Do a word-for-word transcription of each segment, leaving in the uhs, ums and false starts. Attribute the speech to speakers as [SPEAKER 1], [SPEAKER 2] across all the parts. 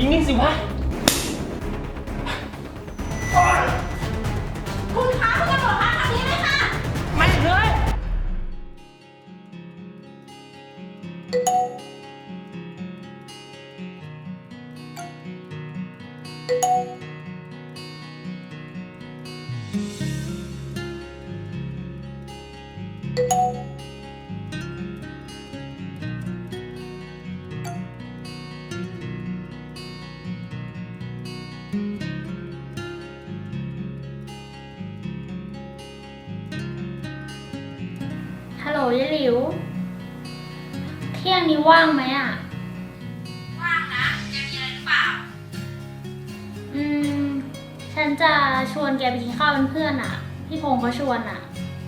[SPEAKER 1] นิ่งๆสิวะ
[SPEAKER 2] คุณคะคุณตำรวจคะทางนี้เลยค่ะ
[SPEAKER 1] ไม่เลย
[SPEAKER 3] ฮัลโหลยายหลิว เที่ยงนี้ว่างไหมอ่ะ
[SPEAKER 2] ว่างนะแกมีอะไรหรือเปล่า
[SPEAKER 3] อืม ฉันจะชวนแกไปกินข้าวเป็นเพื่อนอ่ะ พี่พงษ์เขาชวนอ่ะ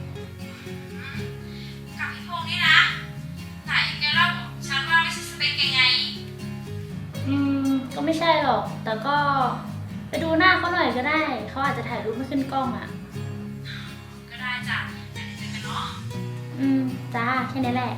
[SPEAKER 2] กับพี่พงษ์นี่นะ ไหนแกเล่าฉันว่าไม่ใช่สเปคแกไง
[SPEAKER 3] อืม ก็ไม่ใช่หรอก แต่ก็ไปดูหน้าเขาหน่อยก็ได้ เขาอาจจะถ่ายรูปไม่ขึ้นกล้องอ่ะ
[SPEAKER 2] ก็ได้จ้ะเดี๋ยวเจอกันเนาะ
[SPEAKER 3] อืม จ้า แค่นี้แหละ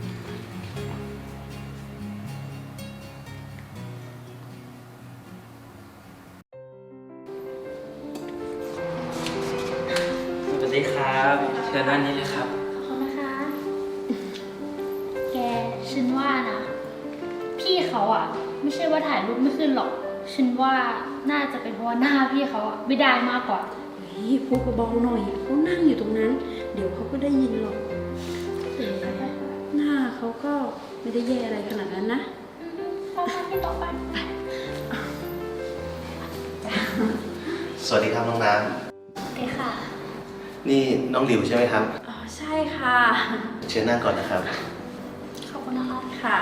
[SPEAKER 1] สวัสดีครับเชิญด้านนี้เลยครับ
[SPEAKER 3] ขอบคุณนะคะ แก ฉันว่านะ พี่เขาอ่ะ ไม่ใช่ว่าถ่ายรูปไม่ขึ้นหรอก ฉันว่าน่าจะเป็นเพราะว่าหน้าพี่เขาอ่ะไม่ได้มากกว่า
[SPEAKER 4] เฮ้ยพูดเบาๆหน่อยเขานั่งอยู่ตรงนั้น เดี๋ยวเขาก็ได้ยินหรอกหน้าเขาก็ไม่ได้แย่อะไรขนาดนั้นนะ
[SPEAKER 3] ต่อไปพี่ต่อไป
[SPEAKER 5] สวัสดีครับน้องน้
[SPEAKER 3] โอเคค่ะ
[SPEAKER 5] ำนี่น้องหลิวใช่ไหมครับ
[SPEAKER 4] อ๋อใช่ค่ะ
[SPEAKER 5] เชิญนั่งก่อนนะครับ
[SPEAKER 3] ขอบคุณนะคะ
[SPEAKER 4] ค่ะ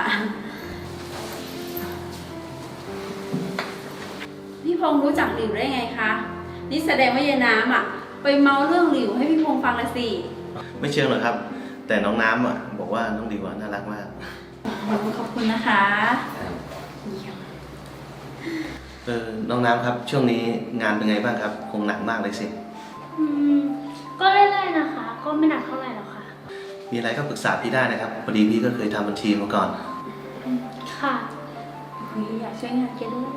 [SPEAKER 4] พี่พงษ์รู้จักหลิวได้ไงคะ นี่แสดงว่ายายน้ำอ่ะ ไปเมาเรื่องหลิวให้พี่พงษ์ฟังละสิ
[SPEAKER 5] ไม่เชิงหรอกครับ แต่น้องน้ำอ่ะบอกว่าน้องหลิวอะน่ารักมาก
[SPEAKER 4] ขอบคุณนะคะเยี่ยม
[SPEAKER 5] เออน้องน้ำครับ ช่วงนี้งานเป็นไงบ้างครับ คงหนักมากเลยสิ
[SPEAKER 3] อืม ก็เรื่อยๆนะคะ ก็ไม่หนักเท่าไหร่หรอกค่ะ
[SPEAKER 5] มีอะไรก็ปรึกษาพี่ได้นะครับพอดีพี่ก็เคยทำบัญชีมาก่อน
[SPEAKER 3] อืมค่ะ
[SPEAKER 4] เฮ้ยอยากช่วยงานแกด้วย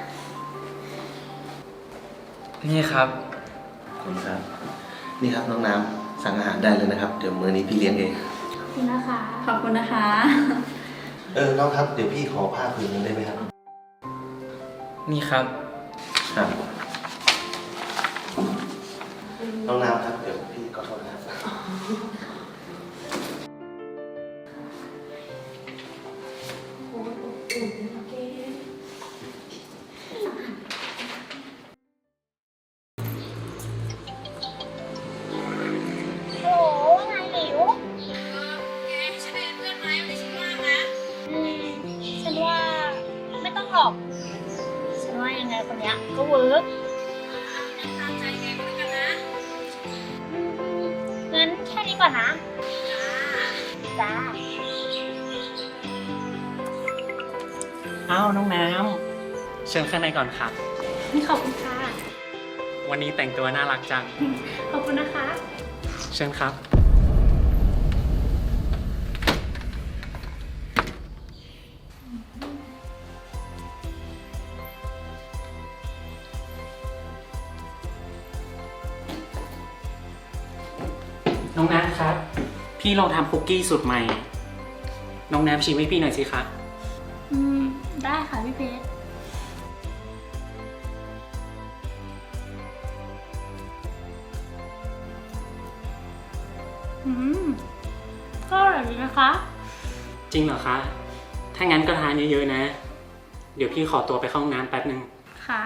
[SPEAKER 1] นี่ครับ
[SPEAKER 5] ขอบคุณครับ นี่ครับน้องน้ำสั่งอาหารได้เลยนะครับ เดี๋ยวมื้อนี้พี่เลี้ยงเอง
[SPEAKER 3] ขอบคุณนะคะ
[SPEAKER 4] ขอบคุณนะคะ
[SPEAKER 5] เออน้องครับเดี๋ยวพี่ขอผ้าผืนนึงได้ไหมครับ
[SPEAKER 1] นี่ครับ
[SPEAKER 5] ครับน้องน้ำครับเดี๋ยวพี่ขอโทษนะครับ
[SPEAKER 3] โอ้ว่าไงหลิว
[SPEAKER 2] เออแกให้ฉันเป็นเพื่อนไหมวันนี้ฉันว่างนะ
[SPEAKER 3] อืม ฉันว่าไม่ต้องหรอก ฉันว่ายังไงคนเนี้ยก็เวิร์ก
[SPEAKER 2] งั้นตามใจแกก็แล้วกันนะ
[SPEAKER 3] อืมงั้นแค่นี้ก่อนนะ
[SPEAKER 2] จ้า
[SPEAKER 3] จ้า
[SPEAKER 1] อ้าวน้องน้ำเชิญข้างในก่อนครับ
[SPEAKER 3] นี่ขอบคุณค่ะ
[SPEAKER 1] วันนี้แต่งตัวน่ารักจัง
[SPEAKER 3] ขอบคุณนะคะ
[SPEAKER 1] เชิญครับ น้องน้ำครับ พี่ลองทำคุกกี้สูตรใหม่ น้องน้ำชิมให้พี่หน่อยสิคะ
[SPEAKER 3] อืม ได้ค่ะพี่เพชร อืม ก็อร่อยดีนะคะ
[SPEAKER 1] จริงเหรอคะ ถ้างั้นก็ทานเยอะๆนะ เดี๋ยวพี่ขอตัวไปเข้าห้องน้ำแป๊บนึง
[SPEAKER 3] ค่ะ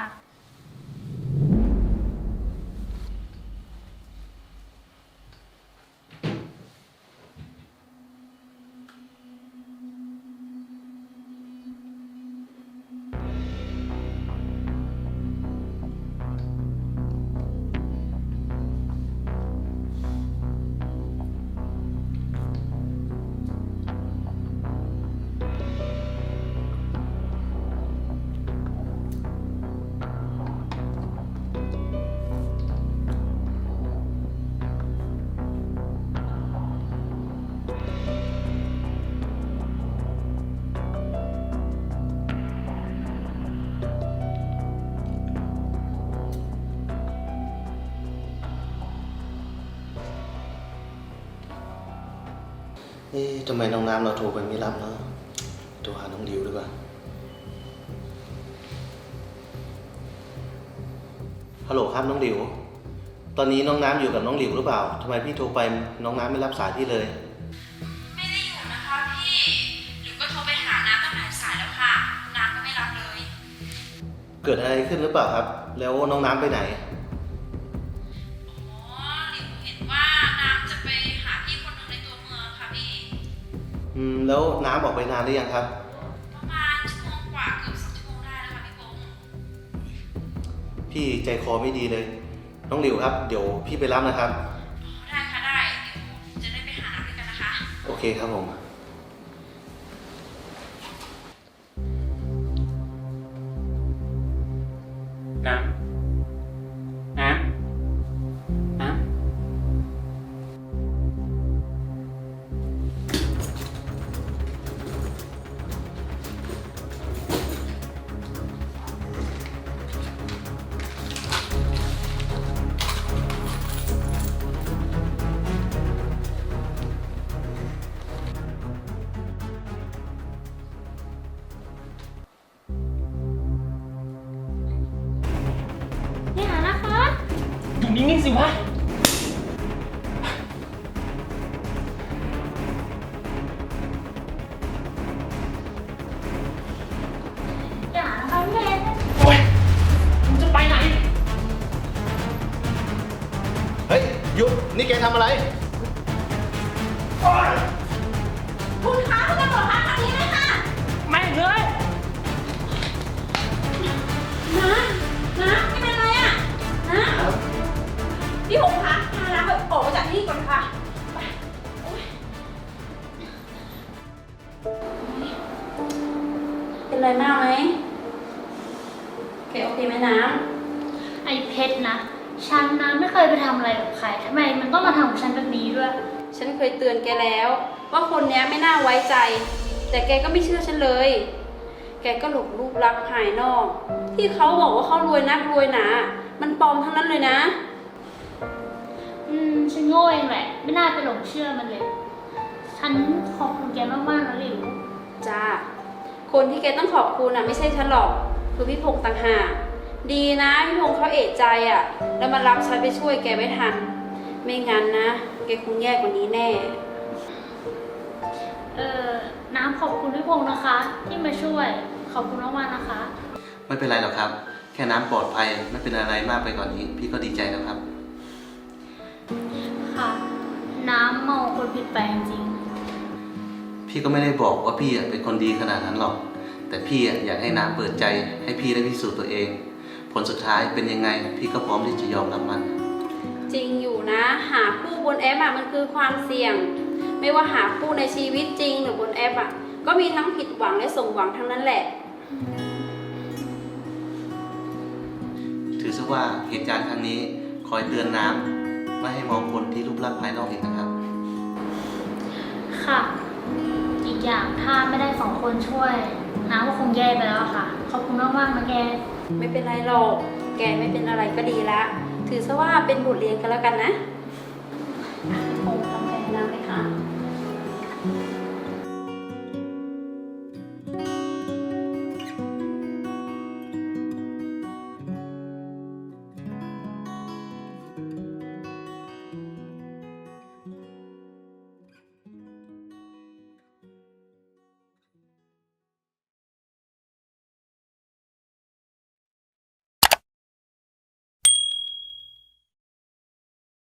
[SPEAKER 5] เอ๊ะทำไมน้องน้ำเราโทรไปไม่รับเนาะโทรหาน้องดิวดีกว่าฮัลโหลครับน้องดิวตอนนี้น้องน้ำอยู่กับน้องดิวหรือเปล่าทำไมพี่โทรไปน้องน้ำไม่รับสายพี่เลย
[SPEAKER 2] ไม่ได้อยู่นะคะพี่หรือก็โทรไปหาน้ำตั้งหลายสายแล้วค่ะ น้ำก็ไม่รับเลย
[SPEAKER 5] เกิดอะไรขึ้นหรือเปล่าครับ แล้วน้องน้ำไปไหน
[SPEAKER 2] อ๋อหลิวเห็นว่าน้ำจะไปหาพี่คนหนึ่งในตัวเมืองค่ะพี่
[SPEAKER 5] อืมแล้วน้ำออกไปนานหรือยังครับ
[SPEAKER 2] ประมาณชั่วโมงกว่าเกือบสองชั่วโมงได้แล้วค่ะพี่พงษ์
[SPEAKER 5] พี่ใจคอไม่ดีเลย น้องหลิวครับเดี๋ยวพี่ไปรับนะครับ
[SPEAKER 2] อ๋อได้ค่ะได้เดี๋ยวจะได้ไปหาน้ำด้วยกันนะคะ
[SPEAKER 5] โอเคครับผม
[SPEAKER 1] น้ำ น้ำ น้ำ
[SPEAKER 3] อย่านะคะ
[SPEAKER 1] อยู่นิ่งๆสิวะ
[SPEAKER 3] อย่านะคะพี่เพชร
[SPEAKER 1] โอ๊ยมึงจะไปไหน
[SPEAKER 5] เฮ้ยหยุดนี่แกทำอะไร
[SPEAKER 2] คุณคะคุณตำรวจคะทางนี้เลยค่ะ
[SPEAKER 1] ไม่เลย
[SPEAKER 2] นะนะไม่เป็นไรอ่ะนะพี่หงคะพาน้ำไปออกมาจากที่นี่ก่อนค่ะไปโอ๊ยเป็นไรมากไหมโอเคโอเคไหมน้
[SPEAKER 3] ไอ้เพชรนะ ฉันนะไม่เคยไปทำอะไรกับใครทำไมมันต้องมาทำกับฉันแบบนี้ด้วย
[SPEAKER 2] ำฉันเคยเตือนแกแล้ว ว่าคนเนี้ยไม่น่าไว้ใจ แต่แกก็ไม่เชื่อฉันเลย แกก็หลงรูปลักษณ์ภายนอก ที่เขาบอกว่าเขารวยนักรวยหนา มันปลอมทั้งนั้นเลยนะ
[SPEAKER 3] อืมฉันโง่เองแหละ ไม่น่าไปหลงเชื่อมันเลย ฉันขอบคุณแกมากๆนะหลิว
[SPEAKER 2] จ้า คนที่แกต้องขอบคุณอ่ะไม่ใช่ฉันหรอก คือพี่พงษ์ต่างหาก ดีนะพี่พงษ์เขาเอะใจอ่ะ แล้วมารับฉันไปช่วยแกไม่ทัน ไม่งั้นนะ แกคงแย่กว่านี้แน่
[SPEAKER 3] เออน้ำขอบคุณพี่พงษ์นะคะ ที่มาช่วย ขอบคุณมากๆนะคะ
[SPEAKER 5] ไม่เป็นไรหรอกครับ แค่น้ำปลอดภัยไม่เป็นอะไรมากไปกว่านนี้ พี่ก็ดีใจแล้วครับ
[SPEAKER 3] ค่ะ น้ำเมาคนผิดไปจริง
[SPEAKER 5] พี่ก็ไม่ได้บอกว่าพี่อะเป็นคนดีขนาดนั้นหรอก แต่พี่อะอยากให้น้ำเปิดใจให้พี่ได้พิสูจน์ตัวเอง ผลสุดท้ายเป็นยังไง พี่ก็พร้อมที่จะยอมรับมัน
[SPEAKER 2] จริงอยู่นะ หาคู่บนแอปอ่ะมันคือความเสี่ยง ไม่ว่าหาคู่ในชีวิตจริงหรือบนแอปอ่ะ ก็มีทั้งผิดหวังและสมหวังทั้งนั้นแหละ
[SPEAKER 5] ถือซะว่าเหตุการณ์ครั้งนี้คอยเตือนน้ำไม่ให้มองคนที่รูปลักษณ์ภายนอกอีกนะครับ
[SPEAKER 3] ๆ ค่ะ อีกอย่างถ้าไม่ได้สองคนช่วย น้ำก็คงแย่ไปแล้วอะค่ะ ขอบคุณมากๆนะแก
[SPEAKER 2] ไม่เป็นไรหรอก แกไม่เป็นอะไรก็ดีละ ถือซะว่าเป็นบทเรียนกันแล้วกันนะ